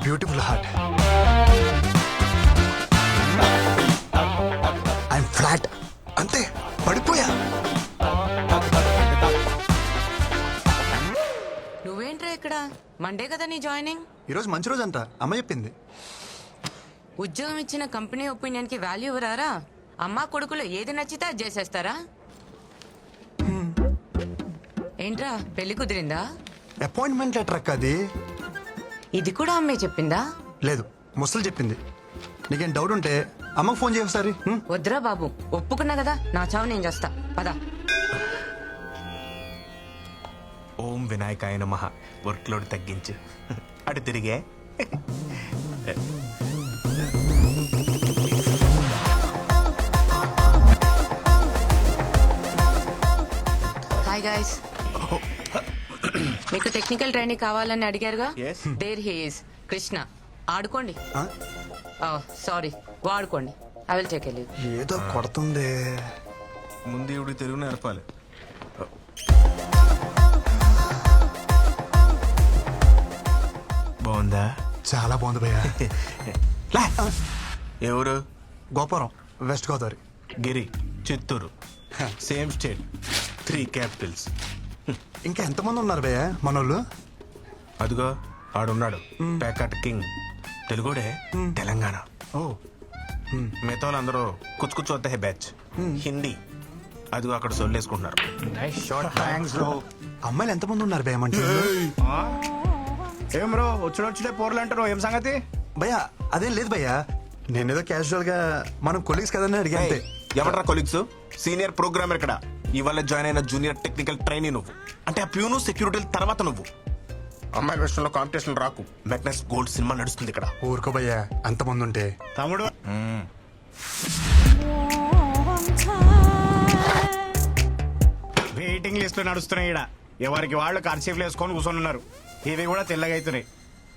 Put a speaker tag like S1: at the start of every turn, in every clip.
S1: Beautiful heart. I'm flat, అంతే, పడిపోయా.
S2: నువ్వేంట్రా ఇక్కడ? మండే కదా నీ జాయినింగ్.
S1: ఈరోజు మంచి రోజు అంట, అమ్మ చెప్పింది.
S2: ఉద్యోగం ఇచ్చిన కంపెనీ ఒపీనియన్ కి వాల్యూ ఇవ్వరారా? అమ్మా కొడుకులు ఏది నచ్చితే అది చేసేస్తారా? ఏంట్రా పెళ్లి కుదిరిందా?
S1: అపాయింట్మెంట్ లెటర్ అక్క అది.
S2: ఇది కూడా అమ్మే చెప్పిందా?
S1: లేదు, ముసలు చెప్పింది. నీకేం డౌట్ ఉంటే అమ్మకు ఫోన్ చేయ ఒకసారి.
S2: వద్దురా బాబు, ఒప్పుకున్నా కదా, నా చావు నేను చేస్తా. పదా.
S3: ఓం వినాయకాయ నమః. వర్క్ లోడ్ తగ్గించు. అటు తిరిగే.
S2: Hi guys. మీకు టెక్నికల్ ట్రైనింగ్ కావాలని అడిగారుగా.
S3: Yes.
S2: There he is Krishna. ఆడుకోండి.
S1: Huh?
S2: సారీ, వాడుకోండి. I will take leave.
S1: ఏదో కొడుతుంది.
S3: ముందు ఇవి తెలుగు నేర్పాలి. బాగుందా?
S1: చాలా బాగుంది భయ్యా.
S3: ఎవరు?
S1: గోపురం, west Godavari.
S3: Giri, Chittoor. Same state, 3 capitals.
S1: ఇంకా ఎంతమంది ఉన్నారు భయ్యా మనోళ్ళు?
S3: అదిగో ఆడున్నాడు, ప్యాకట్ కింగ్. తెలుగుడే, తెలంగాణ.
S1: ఓ,
S3: మిగతా వాళ్ళందరూ కుచ్చు కుచ్చు వద్ద బ్యాచ్. హిందీ. అదిగో అక్కడ సొల్లేసుకుంటున్నారు.
S1: అమ్మాయిలు ఎంతమంది ఉన్నారు భయ్యా మన
S4: ఏం బ్రో వచ్చుడే పోర్లు అంటారు, ఏం సంగతి?
S1: భయ్యా అదేం లేదు భయ్యా, నేనేదో క్యాజువల్ గా మనం కొలీగ్స్ కదని అడిగా అంతే.
S3: ఎవరా కొలీగ్స్? సీనియర్ ప్రోగ్రామర్ ఇక్కడ. ఇవాళ జాయిన్ అయిన జూనియర్ టెక్నికల్ ట్రైనీ నువ్వు. అంటే ఆ ప్యూను సెక్యూరిటీ తర్వాత నువ్వు. అమ్మాయి విషయంలో కాంపిటీషన్ రాకు. మెగ్నస్ గోల్డ్ సినిమా నడుస్తుంది ఇక్కడ.
S1: ఊరుకో భయ్యా, అంతమంది ఉంటే.
S4: తమ్ముడు వెయిటింగ్ లిస్ట్ నడుస్తున్నాయి ఈడ. ఎవరికి వాళ్ళు కర్చీఫ్లు వేసుకొని కూర్చొని ఉన్నారు. ఇవి కూడా తెల్లగా అవుతున్నాయి.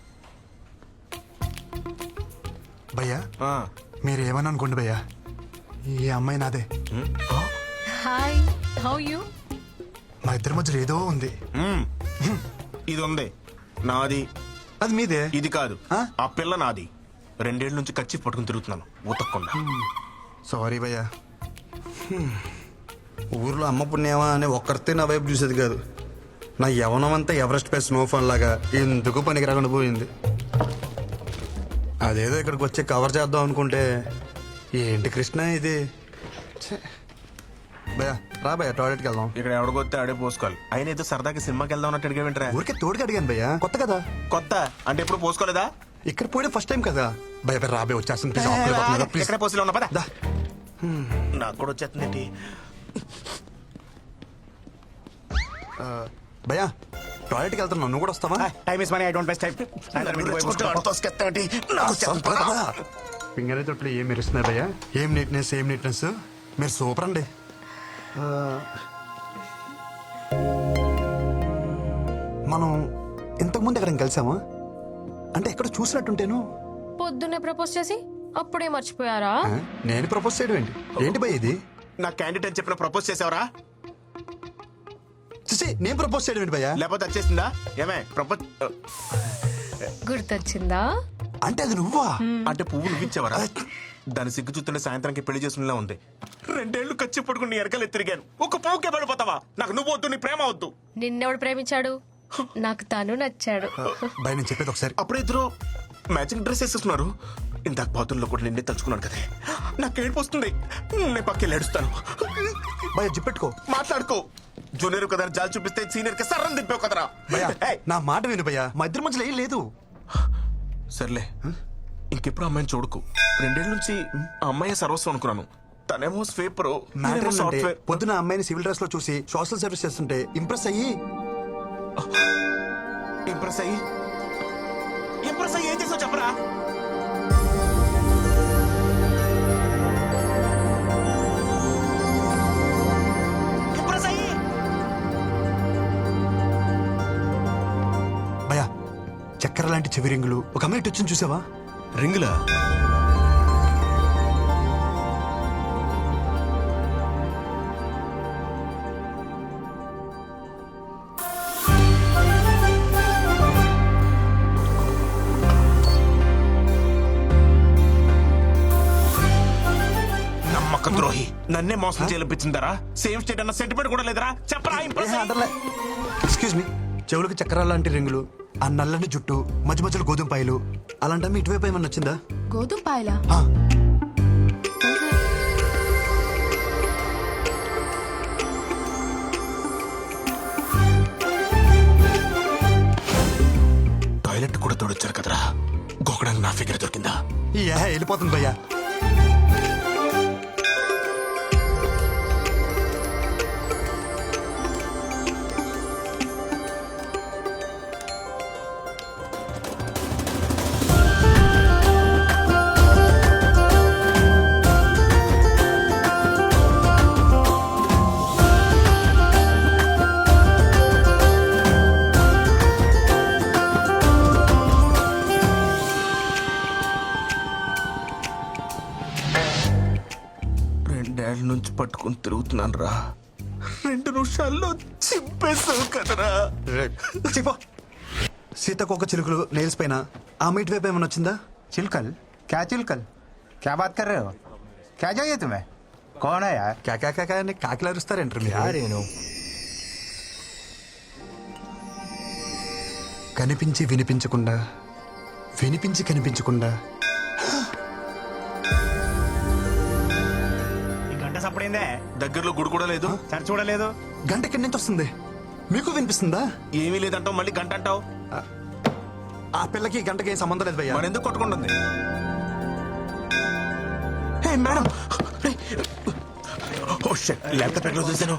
S1: భయ్యా
S3: ఆ,
S1: మీరు ఏమని అనుకోండి భయ్యా, ఈ అమ్మాయి నాదే.
S5: Hi, how you?
S1: మా ఇద్దరి మధ్యలో ఏదో ఉంది.
S3: ఇది ఉంది నాది.
S1: అది మీదే.
S3: ఇది కాదు,
S1: ఆ?
S3: ఆ పిల్ల నాది. 2 ఏళ్ల నుంచి కచ్చి పట్టుకుని తిరుగుతున్నాను ఉతక్కుండా.
S1: సారీ భయ్యా. ఊర్లో అమ్మ పుణ్యమా అని ఒక్కరితే నా వైపు చూసేది కాదు. నా యవనం అంతా ఎవరెస్ట్ పై స్నోఫాన్ లాగా ఎందుకు పనికి రాకుండా పోయింది. అదేదో ఇక్కడికి వచ్చి కవర్ చేద్దాం అనుకుంటే ఏంటి కృష్ణ ఇది. ఛే. భయ్యా రా భయ్యా, టాయిలెట్కి వెళ్దాం.
S3: ఇక్కడ ఎవడికొస్తే ఆడే పోసుకోవాలి. అయినా ఏదో సరదాకి సినిమాకి వెళ్దాం అన్నట్టు అడిగా.
S1: ఊరికే తోడుకి అడిగాను భయ్యా, కొత్త కదా.
S3: కొత్త అంటే ఎప్పుడు పోసుకోలేదా?
S1: ఇక్కడ పోయిన ఫస్ట్ టైం కదా. భయ భయ రాబే వచ్చేస్తుంది ప్లీజ్.
S3: ఎక్కడ పోసిలో ఉన్నా పదా.
S1: దా.
S3: నాకు కూడా వచ్చేస్తుంది.
S1: భయ్యా టాయిలెట్కి వెళ్తున్నావు, నువ్వు కూడా వస్తావా?
S4: Time is money, I don't waste time.
S1: Finger తొట్లు ఏం మెరుస్తున్నారు భయ్యా, ఏం నీట్నెస్, ఏం నీట్నెస్. మీరు సూపర్ అండి. మనం ఇంతకుముందు ఎక్కడ కలిసామా? అంటే ఎక్కడ చూసినట్టుంటేను.
S5: పొద్దున్నే ప్రపోజ్ చేసి అప్పుడే మర్చిపోయారా?
S1: నేను ప్రపోజ్ చేయడం ఏంటి? ఏంటి భయ్య ఇది?
S3: నా క్యాండిడేట్ అని చెప్పిన ప్రపోజ్ చేసావరా?
S1: చూసి నేను ప్రపోజ్ చేయడం ఏంటి భయ్యా?
S3: లేకపోతే వచ్చేసిందా? ఏమే ప్రపోజ్
S5: గుర్తొచ్చిందా?
S1: అంటే అది నువ్వా?
S3: అంటే పువ్వు నువ్విచ్చావరా? దాని సిగ్గు చూస్తుంటే సాయంత్రానికి పెళ్లి చేసుకునేలా ఉంది. 2 ఏళ్లు కచ్చి పట్టుకుని నీ ఎరకలు ఎత్తిరిగాను. ఒక పువ్వుకే పడిపోతావా? నాకు నువ్వు వద్దు, నీ ప్రేమ వద్దు.
S5: నిన్నెవడు ప్రేమించాడు? నాకు తను నచ్చాడు.
S1: భయ నేను చెప్పేది ఒకసారి.
S3: అప్పుడే ఇద్దరు మ్యాచింగ్ డ్రెస్ వేసేస్తున్నారు. ఇందాక బాతుల్లో కూడా నిన్నే తలుచుకున్నాను కదే. నాకు ఏడుపు వస్తుంది. నేను పక్కకి ఏడుస్తాను.
S1: భయ జిప్పెట్టుకో,
S3: మాట్లాడుకో. జూనియర్ కదా జాలి చూపిస్తే సీనియర్ కి సర్రం దింపావు కదరా.
S1: భయ్యా
S3: ఏయ్,
S1: నా మాట విను భయ్యా, మా ఇద్దరి మధ్యలో ఏం లేదు.
S3: సర్లే ఇంకెప్పుడు అమ్మాయిని చూడకు. 2 ఏళ్ల నుంచి ఆ అమ్మాయి సర్వస్వం అనుకున్నాను. తనేమో స్వీపర్,
S1: మ్యాటర్ అంటే
S3: సాఫ్ట్వేర్.
S1: పొద్దున అమ్మాయిని సివిల్ డ్రెస్ లో చూసి సోషల్ సర్వీస్ చేస్తుంటే ఇంప్రెస్ అయ్యి
S3: ఇంప్రెస్ అయ్యి ఏం చేసావు చెప్పరా? ఇంప్రెస్ అయ్యి
S1: భయ్యా చక్కెర లాంటి చెవి రింగులు ఒక అమ్మాయి ఇటు వచ్చింది చూసావా?
S3: రింగులా? నన్నే మోసం చేయించిందరా? సేమ్ స్టేట్ అన్న సెంటిమెంట్ కూడా లేదరా? చెప్పరా ఇంప్రెస్ అయ్యి.
S1: ఎక్స్క్యూజ్ మీ, చెవులకు చక్రాల లాంటి రింగులు, ఆ నల్లని జుట్టు, మధ్య మధ్యలో గోధుమ పాయలు, అలాంటి ఇటువైపు ఏమన్నా వచ్చిందా?
S5: గోధుమ పాయలా?
S1: ఆ,
S3: టాయిలెట్ కూడా తోడొచ్చారు కదరా, గోకడానికి నా ఫిగర్ దొరికిందా?
S1: వెళ్ళిపోతుంది భయ్యా.
S3: రెండేళ్ల నుంచి పట్టుకుని తిరుగుతున్నాను రా, 2 నిమిషాల్లో చింపేసావు కదరా.
S1: చెప్పో. సీతకొక చిలుకలు నెయిల్స్ పైన ఆ మీటి వైపు ఏమన్నా వచ్చిందా?
S6: चिलकल? क्या चिलकल? क्या बात कर रहे हो? क्या चाहिए तुम्हें? कौन है यार?
S1: కాకా అని కాకిలా అరుస్తారేంటారు మీరు?
S6: रेनू?
S1: కనిపించి వినిపించకుండా, వినిపించి కనిపించకుండా.
S4: ఈ గంట సప్పుడైందే,
S3: దగ్గరలో గుడి కూడా లేదు.
S4: సరి చూడలేదు.
S1: గంట ఎక్కడి నుంచి వస్తుంది? మీకు వినిపిస్తుందా?
S3: ఏమీ లేదంటావు, మళ్ళీ గంట అంటావు.
S1: ఆ పిల్లకి గంటకి ఏం సంబంధం లేదు భయ్యా.
S3: మరి ఎందుకు కొట్టుకుంటుంది? Hey madam, oh shit, laptop ఎక్కడ చూసాను?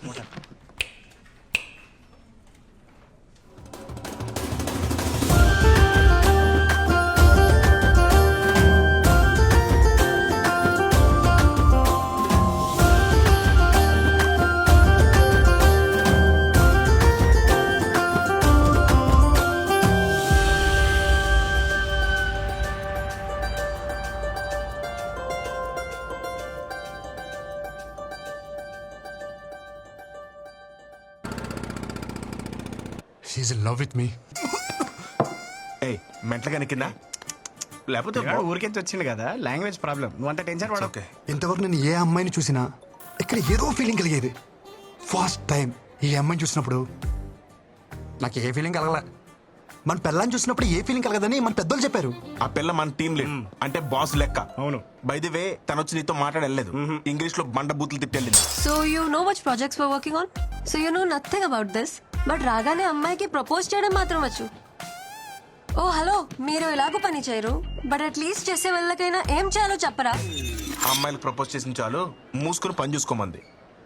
S1: She in love with me.
S3: ఏయ్, మెంటలుగా కింద లేకపోతే
S4: పిల్లాడు ఊరికెంచి వచ్చింది కదా, లాంగ్వేజ్ ప్రాబ్లం. నువ్వు అంత టెన్షన్ పడవు.
S3: ఓకే.
S1: ఇంతవరకు నేను ఏ అమ్మాయిని చూసినా ఇక్కడ ఏదో ఫీలింగ్ కలిగేది. ఫస్ట్ టైం ఈ అమ్మాయిని చూసినప్పుడు నాకు ఏ ఫీలింగ్ కలగల. మన పిల్లని చూసినప్పుడు ఏ ఫీలింగ్ కలగదని మన పెద్దలు చెప్పారు.
S3: ఆ పిల్ల మన టీం లీడ్, అంటే బాస్ లెక్క.
S4: అవును.
S3: బై ది వే, తను వచ్చి నీతో మాట్లాడలేదు, ఇంగ్లీష్ లో బండ బూతులు తిట్టెళ్ళింది.
S7: So you know which projects we're working on? So you know nothing about this. But రాగానే అమ్మాయికి ప్రపోజ్ చేయడం మాత్రం వచ్చు. ఓ హలో, మీరు ఎలాగో పని చేయరు, బట్ అట్లీస్ట్ చేసే వాళ్ళకైనా ఏం చేయాలో చెప్పరా?
S3: ఆ అమ్మాయిలకు ప్రపోజ్ చేసిన చాలు, మూసుకుని పని చూసుకోమంది.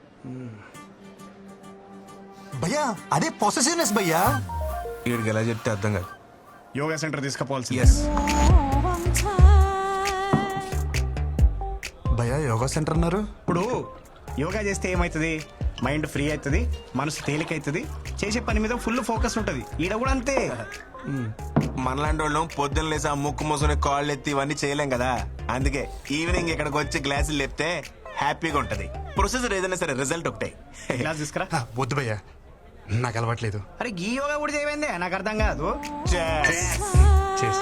S1: భయ్యా అదే పొసెసివ్నెస్ భయ్యా.
S3: వీడికి ఎలా చెప్తే అర్థం కాదు.
S4: Yoga centre తీసుకుపోవాల్సింది.
S3: ఎస్,
S1: భయ్యా యోగా సెంటర్ అన్నారు.
S4: ఇప్పుడు యోగా చేస్తే ఏమవుతుంది? మైండ్ ఫ్రీ అవుతుంది, మనసు తేలిక అవుతుంది, చేసే పని మీద ఫుల్ ఫోకస్ ఉంటుంది. ఈడ కూడా అంతే.
S3: మనలాంటి వాళ్ళం పొద్దున్న లేసి ఆ ముక్కు మూసుకుని కాళ్ళు ఎత్తి ఇవన్నీ చేయలేం కదా. అందుకే ఈవినింగ్ ఇక్కడికి వచ్చి గ్లాసులు లేపితే హ్యాపీగా ఉంటది. ప్రొసెసర్ ఏదైనా సరే రిజల్ట్ ఒకటే.
S4: క్లాస్ తీసుకురా.
S1: వద్దు భయ్యా, నాకు అలవాట్లేదు.
S4: అరే ఈ యోగా కూడా చేయమైందే, నాకు అర్థం కాదు.
S1: చేసి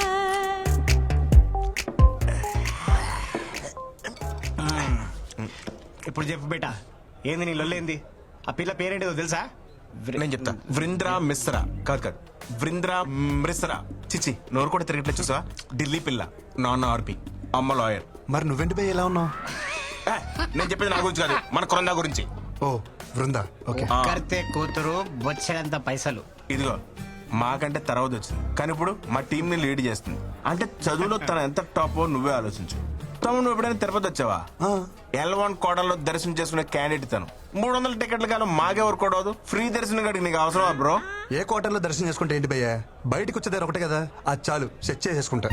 S4: ఇప్పుడు చెప్పు బేటా, ఏంది నీ లొల్లేంది? ఆ పిల్ల పేరేంటిదో తెలుసా?
S3: నేను చెప్తా. వృంద్రా మిశ్రా. కాదు, వృంద్రా మిశ్రా. చిచి, నోరు కూడా తిరగట్లేదు చూసా. ఢిల్లీ పిల్ల, నాన్న ఆర్పి, అమ్మ లాయర్.
S1: మరి నువ్వెంటి భయ్య ఎలా ఉన్నావు?
S3: నేను చెప్పేది నా గురించి కాదు, మన కొరందా గురించి.
S1: ఓ బృందా, ఓకే.
S4: కర్తే కూతురు బొచ్చడంత పైసలు.
S3: ఇదిగో, మాకంటే తర్వాత వచ్చింది, కానీ ఇప్పుడు మా టీం ని లీడ్ చేస్తుంది. అంటే చదువులో తన ఎంత టాప్ నువ్వే ఆలోచించు. తమ్ముడు, నువ్వు ఎప్పుడైనా తిరుపతి వచ్చావా? L1 కోటలో దర్శనం చేసుకునే క్యాండిడేట్ తను. 300 టికెట్లు కాదు, మాకెవరు కూడా ఫ్రీ దర్శనం కాడికి నీకు అవసరమా బ్రో?
S1: ఏ క్వార్టర్లో దర్శనం చేసుకుంటే ఏంటి భయ్యా? బయటకు వచ్చేదారు ఒకటే కదా, అది చాలు, సెట్ చేసేసుకుంటా.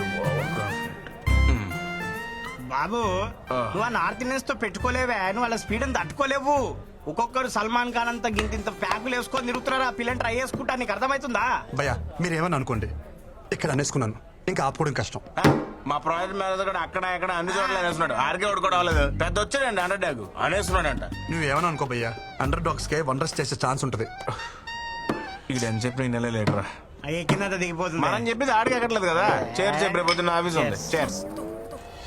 S4: బాబు, నువ్వు ఆ నార్త్ ఇండియన్స్ తో పెట్టుకోలేవే, నువ్వు వాళ్ళ స్పీడ్ అని తట్టుకోలేవు. ఒక్కొక్కరు సల్మాన్ ఖాన్ అంత గింత ప్యాకులు వేసుకొని తిరుగుతున్నారు. ఆ పిల్లని ట్రై చేసుకుంటా, నీకు అర్థమవుతుందా?
S1: భయ్యా మీరేమని అనుకోండి, ఇక్కడ అనేసుకున్నాను, ఇంకా ఆపుకోవడం కష్టం.
S3: మా ప్రాజెక్ట్ మేనేజర్ కూడా అక్కడ ఇక్కడ అన్ని చోట్ల అనేస్తున్నాడు. ఆర్కే ఒకటి కూడా అవ్వలేదు, పెద్ద వచ్చాడండి అండర్ డాగ్ అనేస్తున్నాడంట.
S1: నువ్వేమని అనుకో భయ్యా, అండర్ డాగ్స్ కే వండర్స్ చేసే ఛాన్స్ ఉంటుంది.
S3: ఇక్కడ ఎంత చెప్పిన నెల లేటరా,
S4: అయ్యే కింద దిగిపోతుంది.
S3: మనం చెప్పేది ఆడికి ఎక్కట్లేదు కదా. చేర్స్ రేపు పొద్దున్న ఆఫీస్ ఉంది. చేర్స్.